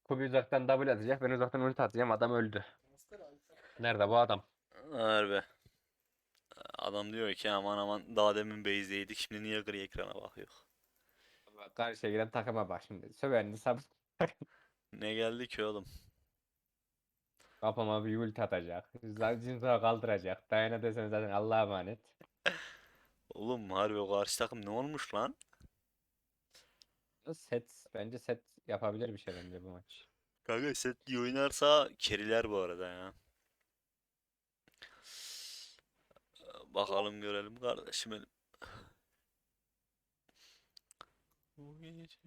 Kubi uzaktan double atacak. Ben uzaktan ulti atacağım. Adam öldü. Nerede bu adam? Harbi. Adam diyor ki aman aman daha demin base'deydik şimdi niye gri ekrana bakıyor. Bak, karşıya giden takıma bak şimdi. Sövendi sab Ne geldi ki oğlum? kafama bir ulti atacak. Zinza'ya kaldıracak. Dayana desene zaten Allah'a emanet. Oğlum harbi o karşı takım ne olmuş lan? Set. Bence set yapabilir bir şey bence bu maç. Kanka set iyi oynarsa keriler bu arada ya. Bakalım görelim kardeşim benim. Bu gece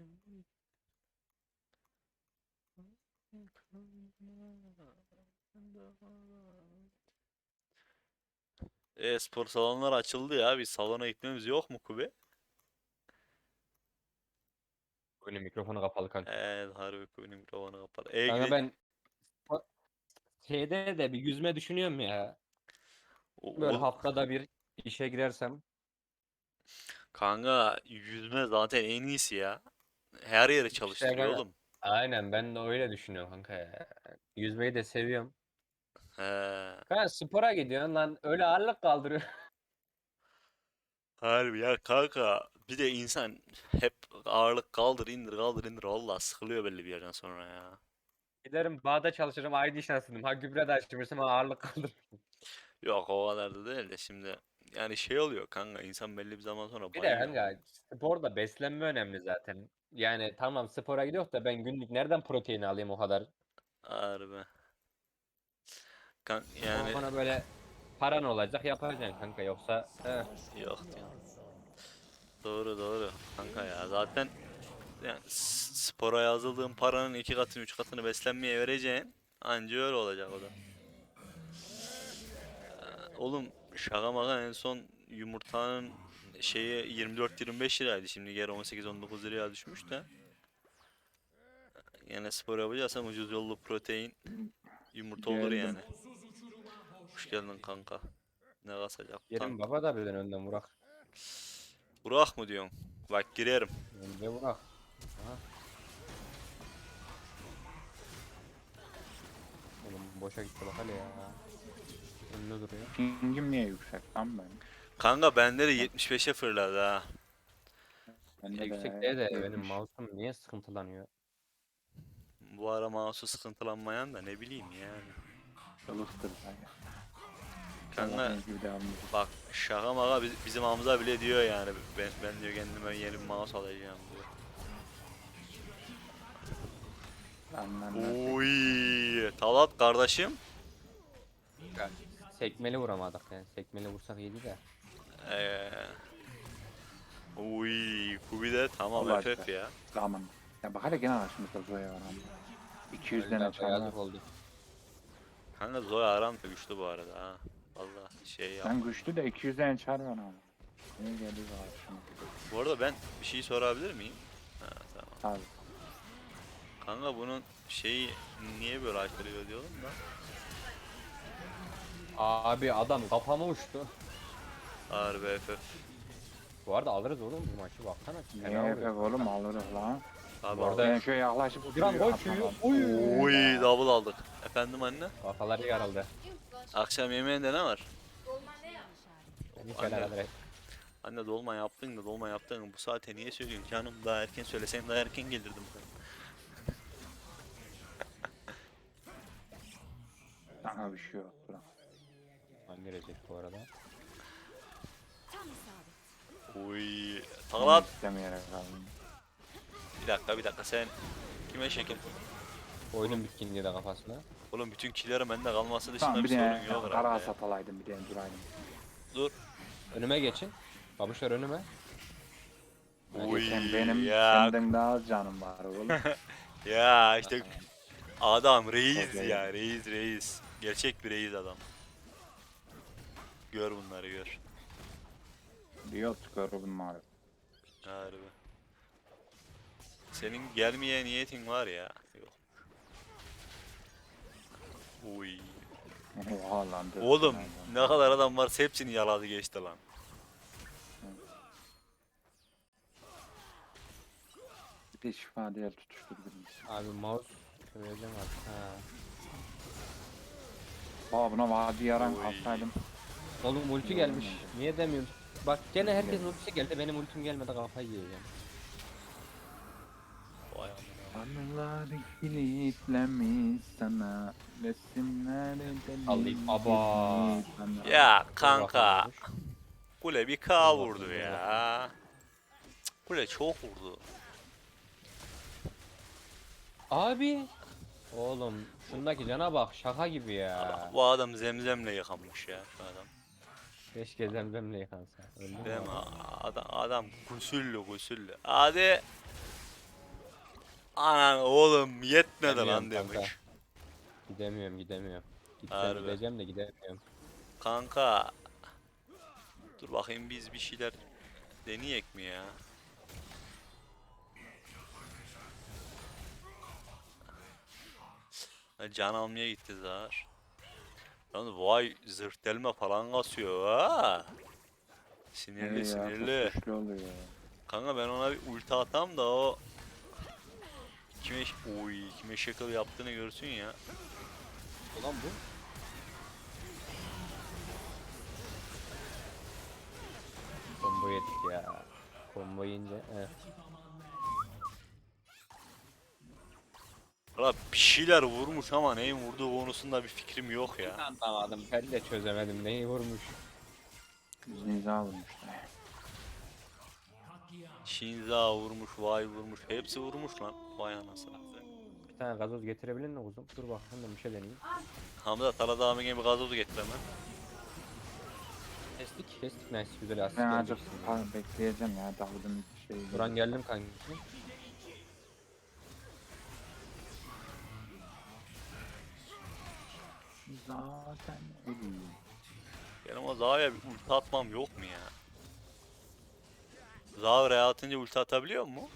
E-spor salonları açıldı ya. Bir salona gitmemiz yok mu Kubi? Oyunun mikrofonu kapalı kanka. Evet harbi Kubi'nin mikrofonu kapalı. E Kanka gide ben şeyde de bir yüzme düşünüyorum ya. Böyle o, haftada bir işe girersem. kanka yüzme zaten en iyisi ya. Her yere İşte çalıştırıyor ben oğlum. aynen ben de öyle düşünüyorum kanka ya. Yüzmeyi de seviyorum. He. Kanka spora gidiyorsun lan öyle ağırlık kaldırıyor. Harbi ya kanka. Bir de insan hep ağırlık kaldır indir kaldır indir. Valla sıkılıyor belli bir yerden sonra ya. Giderim bağda çalışırım ID şansım. Ha gübre de açtırırsam ha ağırlık kaldırır. Yok o kadar da değil de şimdi. Yani şey oluyor kanka insan belli bir zaman sonra Bir de bayıyor. kanka sporda beslenme önemli zaten. Yani tamam spora gidiyor da ben günlük nereden protein alayım o kadar? Harbi. Yani Ona böyle paran olacak yapacaksın kanka yoksa yok diyor. Doğru doğru kanka ya. Zaten yani spora yazıldığın paranın iki katını üç katını beslenmeye vereceksin. Anca öyle olacak o da. Oğlum şaka maka en son yumurtanın şeyi 24-25 liraydı. Şimdi geri 18-19 liraya düşmüş de. Yine spor yapacaksan ucuz yollu protein yumurta olur Geldim. yani. Hoş geldin kanka. Ne kasacak tank. yerim baba da birden önden vurak. Burak mı diyorsun? Bak girerim. Önce vurak. Aha. Oğlum boşa gitti bak hele ya. Önünde duruyor. Pingim niye yüksek lan benim? Kanka bende de Bak 75'e fırladı ha. bende Yüksek de değil de benim 70. mouse'um niye sıkıntılanıyor? Bu ara mouse'u sıkıntılanmayan da ne bileyim yani. Çalıştır dayı. Kanka Allah'ın gibi devam edecek. bak şaka maka bizim Hamza bile diyor yani ben diyor kendime yeni bir mouse alacağım diyor. Lan lan. Oy Talat kardeşim. Ya, sekmeli vuramadık yani. Sekmeli vursak iyiydi de. Ee, Oy Kubi de tamam Olacak. FF ya. Zaman. Ya bak hele gene karşımızda Zoya var ama. 200 Öldü tane abi çar var. yazık oldu. Kanka Zoya aram da güçlü bu arada ha. Vallahi şey Sen yapma. güçlü de 200 tane çar var ama. Niye geliyor karşıma? Bu arada ben bir şey sorabilir miyim? Ha tamam. Abi. Kanka bunun şeyi niye böyle aykırıyor diyorum da. Abi adam kafama uçtu. Harbi FF. Bu arada alırız oğlum bu maçı baksana. Fena Niye vuruyor efek oğlum kanka. alırız lan. Abi Bu aldık. arada Ben şöyle yaklaşıp Duran gol atamam. çiğiyor. Oy. Oy double aldık. Efendim anne? Kafaları yarıldı. Akşam yemeğinde ne var? Hiç Anne, alakadar et. anne dolma yaptın da dolma yaptın. Bu saate niye söylüyorsun canım? Daha erken söylesem daha erken gelirdim. Sana bir şey yok. Bırak. Lan gelecek bu arada. Oy. Onu Talat. istemeyerek kaldım. Bir dakika sen kime şekil? Oyunun bitkinliği de kafasına. Oğlum bütün killerin bende kalması dışında Tamam bir bir sorun de yok kara herhalde ya. hasat alaydım bir de duraydım. Dur. Önüme geçin. Babuşlar önüme. Oy Sen benim ya. senden daha az canım var oğlum. Ya işte Tamam. adam reis Okey. ya reis. Gerçek bir reis adam. Gör bunları gör. Diyor çıkarım maalesef. Harbi. Senin gelmeye niyetin var ya. Yok. Uy. Oha lan. dört Oğlum tane ne adam. kadar adam varsa hepsini yaladı geçti lan. Bir de şifa değil tutuşturdum. Abi mouse Söyleyeceğim artık. Ha. Baba buna vadi yaran Oy. alsaydım. Oğlum ulti İyi gelmiş. olmadı. Niye demiyorsun? Bak gene herkesin Geldi. ultisi geldi. Benim ultim gelmedi, kafayı yiyeceğim. Vay amına. Anılar kilitlemiş sana. Resimleri Alayım. deli Aba. gibi sana. Ya Dur kanka. bakalım, dur. Kule bir Dur K bakalım, vurdu dur ya. Cık, Kule çok vurdu. Abi. Oğlum şundaki cana bak, şaka gibi ya. Bu adam zemzemle yıkanmış ya şu adam. Keşke zemzemle yıkansa. Öldü mü Değil mi? adam? Adam gusüllü gusüllü. Hadi. Anan oğlum yetmedi lan Gidemiyorum kanka. demiş. Gidemiyorum. Gitsem Harbi. gideceğim de gidemiyorum. Kanka. Dur bakayım biz bir şeyler deneyek mi ya? Can almaya gitti Zahar. Yalnız vay zırh delme falan kasıyor ha. Sinirli Ya, sinirli. çok güçlü oluyor. Kanka ben ona bir ulti atam da o kime şekil yaptığını görsün ya. Ulan bu. Combo yedik ya. Combo yiyince. Valla bir şeyler vurmuş ama neyin vurduğu konusunda bir fikrim yok ya. Anlamadım. Ben de çözemedim. Neyi vurmuş. Zinza vurmuşlar. Shinza vurmuş, Vay vurmuş, hepsi vurmuş lan. Vay anasını. Bir tane gazoz getirebilir mi kuzum? Dur bakayım da bir şey deneyeyim. Hamza Talat abi gibi gazozu getir hemen. Kestik. Nice. Güzel asist Ben geldi azıcık ikisinden. bekleyeceğim ya. Davud'un şeyi. Duran geldim kanki. Zaten ölüyor. Benim o Zaha'ya bir ulti atmam yok mu ya? Zaha oraya atınca ulti atabiliyor mu?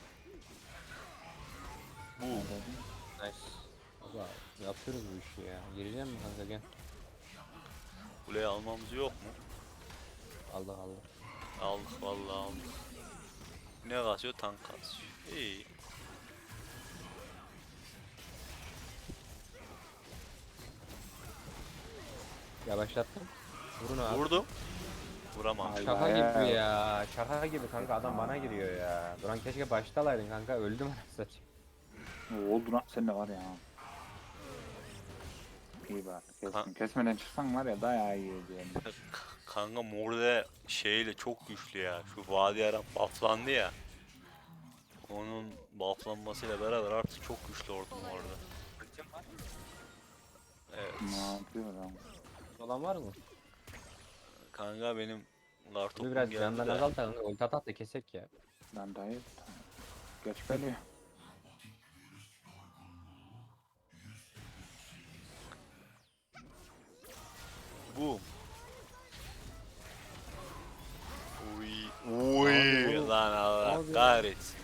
Bu. Nice. Baba yapıyoruz bu işi ya. Gireceğim mi kanka, gel. Kuleyi almamız yok mu? Allah. Aldık vallahi aldık. Ne kasıyor? Tank kasıyor. İyi. Yavaşlattım. Vurun abi. Vurdum. Vuramam. Ay. Şaka Bayağı. gibi ya. Şaka gibi kanka, adam bana giriyor ya. Duran keşke baştalaydın kanka, öldüm anasını satayım. Ne oldu lan sen de var ya. İyi bak. Kesme. Kesmeden çıksan var ya dayağı iyi ediyorum. Kanka Morde şeyle çok güçlü ya. Şu Vadi Aram bufflandı ya. Onun bufflanmasıyla beraber artık çok güçlü ordum orada. Evet. Ne yapıyor lan? Olan var mı? Kanka benim Bu kartopum biraz geldi candan de. azalt da kanka, ulti at da kesek ya. Lan dayı. Geç geliyor. Boom. Uy. Uy. Abi bu- Lan Allah abi. kahretsin.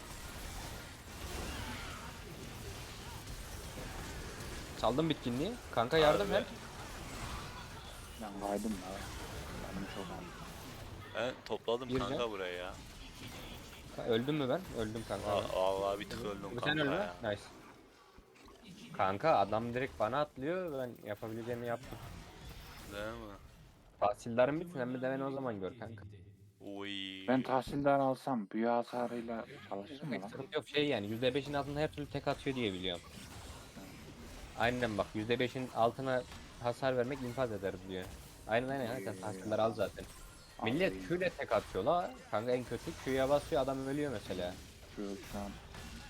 Çaldım bitkinliği. Kanka yardım Harbi. ver. Ben kaydım ya. Benim çok aldım. Ben topladım Gireceğim. kanka buraya ya. Öldüm mü ben? Öldüm kanka. Vallahi bir tık öldüm Sen kanka öldün mü? ya. Nice. Kanka adam direkt bana atlıyor, ben yapabileceğimi yaptım. Değil mi? Tahsildarım bitsin, hem de beni o zaman gör kanka. Uy. Ben tahsildar alsam büyü hasarıyla çalışır mı lan? Sıkıntı yok, şey yani %5'in altında her türlü tek atıyor diye biliyorum. Aynen bak, %5'in altına hasar vermek infaz eder diyor. Aynen sen tahsilleri al zaten. Millet Alayım. Q ile tek atıyor la. Kanka en kötü Q'ya basıyor, adam ölüyor mesela. Şu an.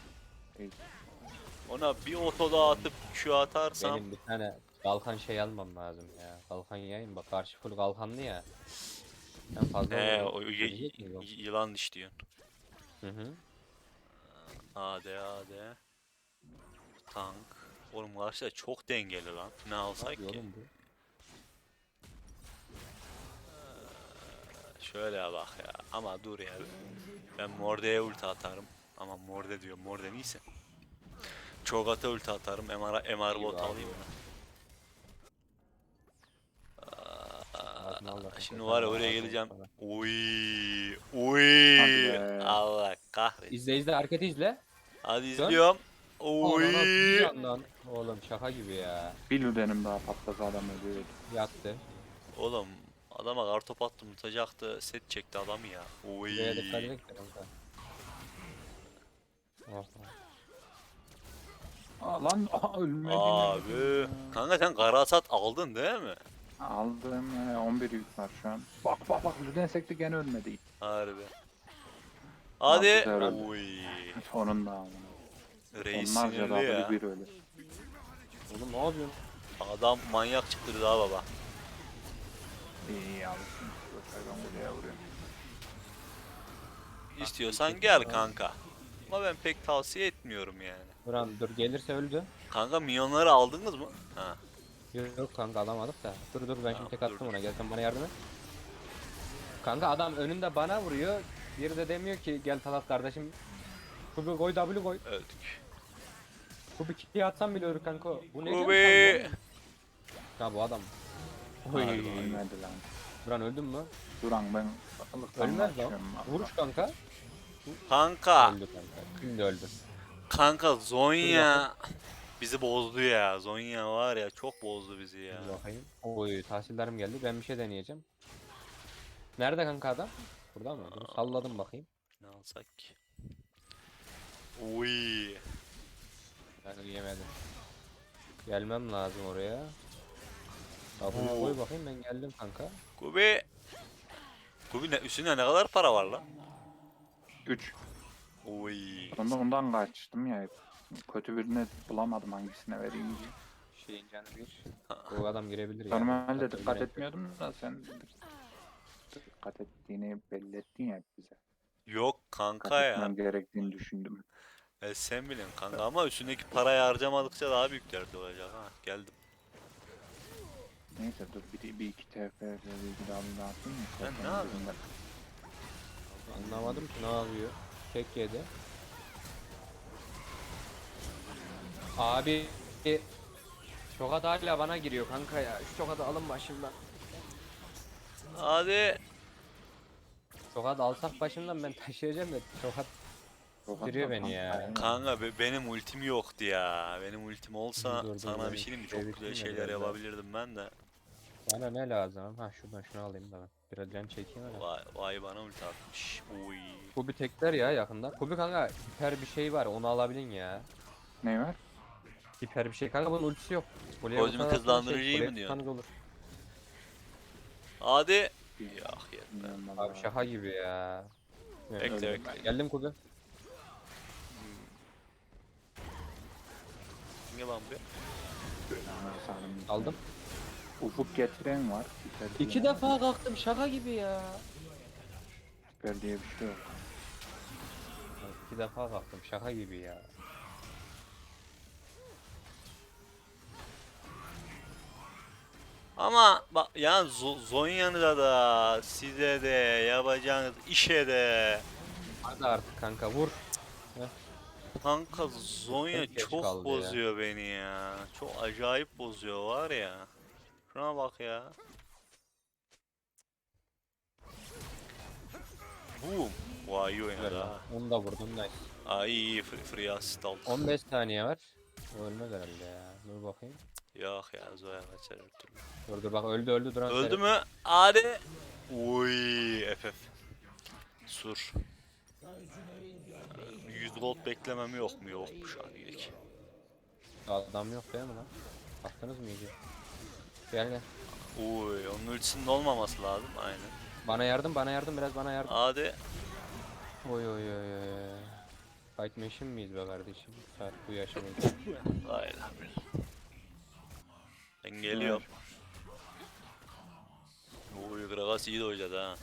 Ona bir oto daha atıp şu atarsam Benim bir tane kalkan şey almam lazım ya. Kalkan yayın bak, karşı full kalkanlı ya. Sen fazla o Ölecek mi? Yok. yılan diş diyorsun. Hı. AD. Tank. Oğlum karşıda çok dengeli lan. Ne alsak ki? Oğlum bu. Şöyle bak ya. Ama dur ya. Ben Morde'ye ulti atarım. Ama Morde diyor. Morde neyse. Cho'Gath'a ulti atarım. MR bot Eyvah. alayım mı? Ağzını al da Şimdi kanka, var ya sana oraya ağzını geleceğim. sana. Uy. Hadi be. Allah kahretsin. İzle hareketi izle. Hadi Dön. izliyorum. Oy. Anana bir yandan. Oğlum şaka gibi ya. Bir lüdenim daha patlasa adam ölüyordu. Yattı. Oğlum adama kartop attım tutacaktı. Set çekti adam ya. Oy. Buraya dikkat edin kanka. Oh. Aa, lan ölmedi. Abi. Kanka sen kara hasat aldın değil mi? Aldım 11 yük var şu an. Bak bak bak lüden sekti gene ölmedi. Harbi. Hadi. güzel öldü. Oy. Sonunda ama. Reis Onlarca sinirli ya. W1 ölü. Oğlum ne yapıyorsun? Adam manyak çıktı daha baba. İyi alışsın. Gösterden buraya vuruyorum. İstiyorsan gel kanka. Ama ben pek tavsiye etmiyorum yani. Duran dur gelirse öldü. Kanka milyonları aldınız mı? Ha. Yok kanka alamadık da. Dur dur ben şimdi tek Tamam, attım dur. ona. Gel sen bana yardım et. Kanka adam önünde bana vuruyor. Biri de demiyor ki gel Talat kardeşim. Kubi koy W koy. Öldük. Kubi kitleye atsam bile ölür kanka. Bu ne Kubi. diyorsun? Ya bu adam. Oy. Harbi. Ölmedi lan. Duran öldün mü? Duran ben ılıktan Ölmez lan. kaçıyorum. Vuruş kanka. Kanka. Öldü kanka. Şimdi öldü. Kanka Zonya bizi bozdu ya. Zonya var ya çok bozdu bizi ya. Dur bakayım. Oy tahsillerim geldi. Ben bir şey deneyeceğim. Nerede kanka adam? Burada mı? Dur, salladım bakayım. Ne alsak ki? Uy. Ben yemedim. Gelmem lazım oraya. W Oo. koy bakayım ben geldim kanka. Kubi. Kubi ne, üstünde ne kadar para var lan? 3. Uy. Ondan kaçtım ya hep. Kötü birini bulamadım hangisine vereyim diye. Şeyin canı bir. Bu adam girebilir ya. Normalde Dikkat dikkat edin. etmiyordum da sen dikkat ettiğini belli ettin ya bize. Yok Dikkat kanka ya. etmem gerektiğini düşündüm. Sen bilin kanka ama üstündeki parayı harcamadıkça daha büyük derdi olacak ha. Geldim. Neyse dur bir iki TF bir daha atayım mı? Sen ne yapıyorsun? Anlamadım ki ne yapıyor. Tek yedi. Abi Çokat hala bana giriyor kanka ya. Şu Çokat'ı alın başımdan. Hadi. Çokat alsak başımdan ben taşıyacağım da Çokat bitiriyor beni ya. Kanka benim ultim yoktu ya. Benim ultim olsa Dur, dur, sana ben bir şey diyeyim mi? Çok şey güzel bitireyim de şeyler biraz daha. yapabilirdim ben de. Bana ne lazım? Ha şuradan şunu alayım da ben. Biraz can çekeyim hele. Vay bana ulti atmış. Uy. Kubi tekler ya yakında. Kubi kanka hiper bir şey var onu alabilin ya. Ne var? Hiper bir şey kanka bunun ultisi yok. Kuleye Kozmik vursan hızlandırıcıyı kuleye mı diyorsun? tutsanız olur. Hadi. Yok yetme. Bilmiyorum Abi vallahi. şaka gibi ya. Evet. Bekle Öyle. bekle. Geldim Kubi. Ne lan bu? Ananı sarayım. Aldım. Ufuk getiren var. Süper İki diye. defa kalktım şaka gibi ya. Süper diye bir şey yok. İki defa kalktım şaka gibi ya. Ama bak yani Zonya'da da size de yapacağınız işe de Hadi artık kanka vur. kanka Zonya Çok geç çok kaldı ya. bozuyor beni ya. Çok acayip bozuyor var ya. Şuna bak ya. Boom. Vay iyi oynadı Güzel ha. lan. Onu da vurdum nice. Ay iyi free assist aldık. 15 saniye var. O ölmez herhalde ya. Dur bakayım. Yok ya Zoya kaçar her türlü. Dur dur bak öldü duran. Öldü mü? Hadi. Uy FF. Sur. 100 gold beklemem yok mu? Yokmuş halilik. Adam yok değil mi lan? Baktınız mı iyice? Gel gel. Uy onun ultisinin olmaması lazım aynen. Bana yardım biraz bana yardım. Hadi. Oy oy oy oy. Fight machine miyiz be kardeşim? Saat bu yaşamayız. Hayır. Ben geliyorum. Uy Gragas iyi de oynadı ha.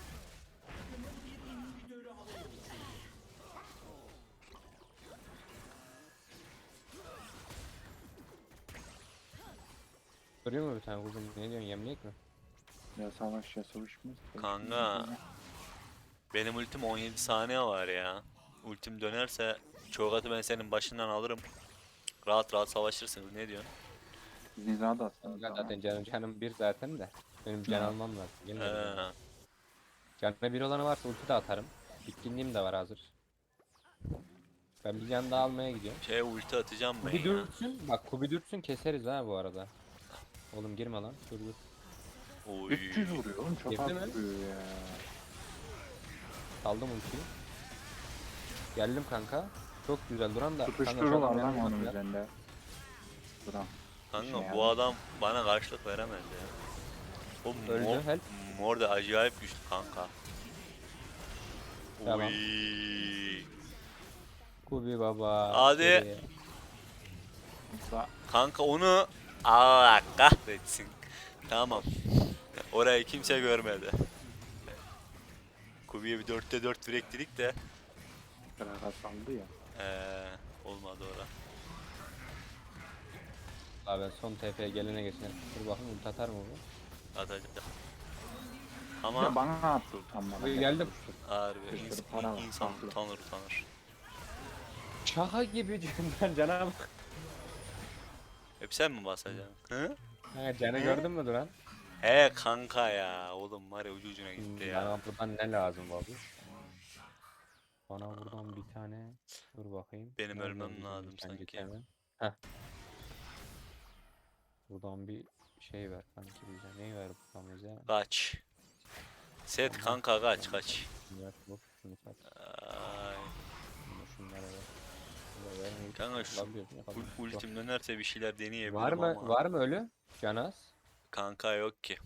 Görüyor mu bir tane kuzum? Ne diyorsun yemleyek mi? Ya savaş ya savaşmaz. Kanka. Benim ultim 17 saniye var ya. Ultim dönerse Çogat'ı ben senin başından alırım. Rahat rahat savaşırsınız ne diyorsun? Niza da aslında. Zaten canım bir zaten de. Benim can Ha. almam lazım. Gelmedi yani. He. Canına bir olanı varsa ulti de atarım. Bitkinliğim de var hazır. Ben bir can daha almaya gidiyorum. Ulti atacağım ben Kubi ya. dürtsün. Bak Kubi dürtsün keseriz ha bu arada. Oğlum girme lan. Dur dur. Oy. 300 vuruyor oğlum, çok Girdi az mi? vuruyor ya. Saldım ultiyi. Geldim kanka. Çok güzel duran da. Kanka şu Tutuşturuyorlar adam lan yanımda onun ya. üzerinde. Duran. Kanka İşine bu yarar. adam bana karşılık veremez ya. O Öldü, mor, help. mor da acayip güçlü kanka. Tamam. Oy. Kubi baba. Hadi. Geriye. Yoksa Kanka onu Allah kahretsin. Tamam. Orayı kimse görmedi. Kubi'ye bir 4'te 4 direktirik de Kraga saldı ya. olmadı ora. Abi ben son TP'ye gelene geçene. Dur bakayım ulti atar mı bu? Atacak. Ya Ama bana attı tam bana. Geldim. harbi Bir sürü ins- para var, insan haklı. utanır. Şaka gibi candan cana bak. Hep sen mi basacaksın? Hı? Ha, canı Ne? gördün mü duran? He kanka ya. Oğlum var ya ucu ucuna gitti ya. Bana buradan ne lazım abi? Bana buradan bir tane. Dur bakayım. Benim Nerede ölmem bizim lazım nişancı sanki. Kemal? Heh. Buradan bir şey ver kanki bize. Neyi ver buradan bize? Kaç. Set kanka kaç. Şunu ver, bu, şunu sat. Ay. Şunları ver. Şunları ver. Neyi Kanka şu tutabiliyoruz, ne kadar? ultim dönerse bir şeyler Var deneyebilirim mı? ama. Var mı ölü? Canaz. Kanka yok ki.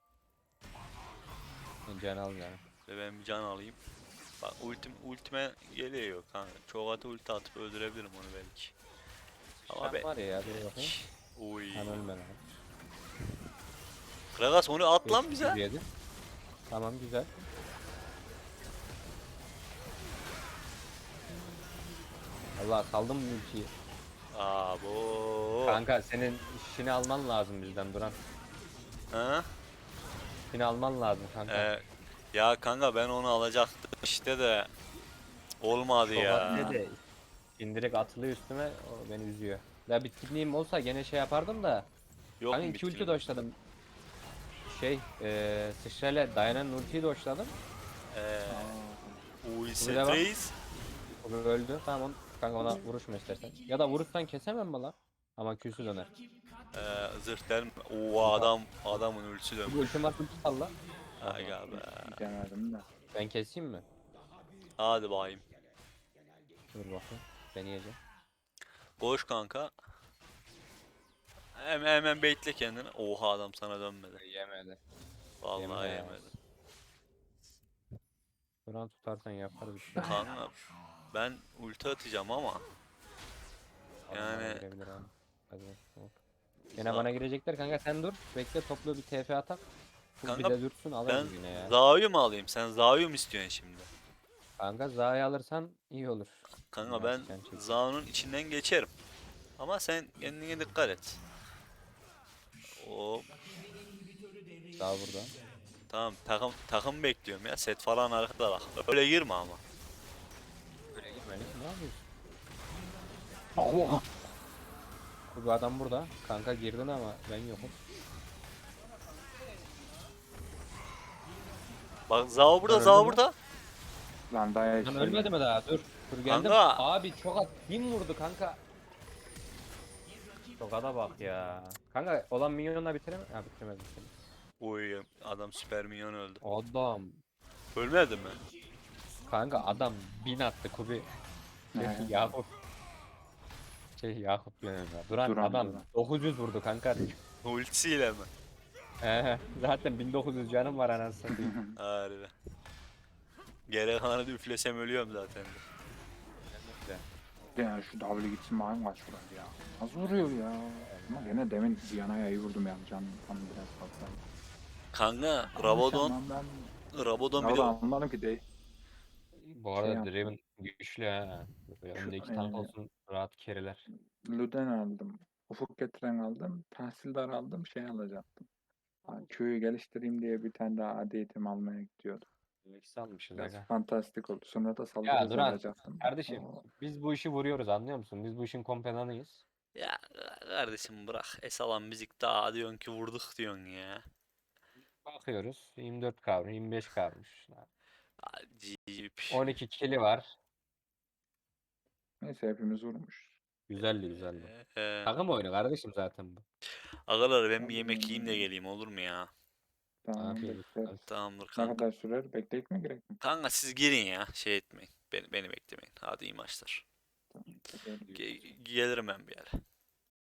Can al yani. Ve ben bir can alayım. Bak ultime geliyor kanka. Çok atı ulti atıp öldürebilirim onu belki. Ama Ama be. var ya dur bakayım. Uy. Sen ölme lan. Kragas onu at lan 500 bize. yedi. Tamam güzel. Allah saldım ultiyi. Abo. Kanka senin işini alman lazım bizden Duran. Ha? İşini alman lazım kanka. Ya kanka ben onu alacaktım işte de olmadı ya. Ne de indirek atılıyor üstüme o beni üzüyor. Ya bitkinliğim olsa gene şey yapardım da. Yok Kanka mu 2 ulti bitkin? doşladım. Sıçrayla dayanan ultiyi doşladım. Eee Uy Bunu devam. Reis. O öldü. Tamam kanka ona vuruşma istersen. Ya da vurursan kesemem mi lan? Ama Q'su döner. Zırh der mi? Oo adamın ultisi Bu dönmüş. ultim var ulti salla. Aga be. Denedim de. Ben keseyim mi? Hadi bakayım. Dur bakayım. Deneyeceğim. Koş kanka. Hemen baitle kendini. Oha adam sana dönmedi. Yemedi. Vallahi Yemedi ya. yemedi. Duran tutarsan yaparız bir şey. Kanka ben ulti atacağım ama Adam yani- bana girebilir abi. Hadi hop. Gene bana girecekler kanka sen dur. Bekle toplu bir TP atak. Bu bir Kanka, de dursun alırız ben yine ya. Zayu mu alayım? Sen Zayu mu istiyorsun şimdi? Kanka Za'yı alırsan iyi olur. Kanka Biraz ben can çek. Zau'nun içinden geçerim. Ama sen kendine dikkat et. Hop. Za burada. Tamam takım bekliyorum ya. Set falan arkada bak. Öyle girme ama. Böyle girmeli. Ne yapıyorsun? Allah. Bu adam burada. Kanka girdin ama ben yokum. Bak Zao burada, Öldü Zao mü? burada. Lan daha Lan ölmedi mi daha? Dur. Dur geldim. Kanka. Abi çok az. Kim vurdu kanka? Çok ada bak ya. Kanka olan minyonla bitiremez. Ha bitiremez bitiremez. Oy adam süper minyon öldü. Adam. Ölmedi mi? Kanka adam 1000 attı Kubi. Yakup. Yakup diyorum ya. Duran, Duran, adam Duran. 900 vurdu kanka. Ultisiyle mi? Zaten 1900 canım var anasını satayım. Harbi. Geri kalanı da üflesem ölüyorum zaten. Ya şu W gitsin bakayım kaç vuruyor ya. Az vuruyor ya. Ama gene demin Diana'ya iyi vurdum yani, canım tam biraz fazla. Kanka Rabadon Ama ben Rabadon bir orada de anladım ki değil. Bu Şey arada yaptım. Draven güçlü ha. Böyle önde iki tank olsun rahat kereler. Luden aldım. Ufuk getiren aldım. Tahsildar aldım. Şey alacaktım. Ha, köyü geliştireyim diye bir tane daha adi eğitim almaya gidiyordum. İkisi almışız Biraz aga. fantastik oldu. Sonra da saldırı Ya hızı Duran alacaktım. kardeşim O- biz bu işi vuruyoruz anlıyor musun? Biz bu işin kompedanıyız. ya kardeşim bırak. Esalan müzik daha diyorsun ki vurduk diyorsun ya. Bakıyoruz 24 kavru 25 kavrmuş. Acayip. 12 kili var. Neyse hepimiz vurmuşuz. Güzeldi güzeldi. Ee, Takım oyunu kardeşim zaten bu. Agalar ben bir Tabii yemek yiyeyim de yani. geleyim olur mu ya? Tamam Afiyet olsun. bekleriz. Tamamdır Ne kanka. kadar sürer? Bekleyip mi gerek mi? Kanka siz girin ya. Şey etmeyin. Beni beklemeyin. Hadi iyi maçlar. Tamam. Haberleşiriz. Gelirim ben bir yere.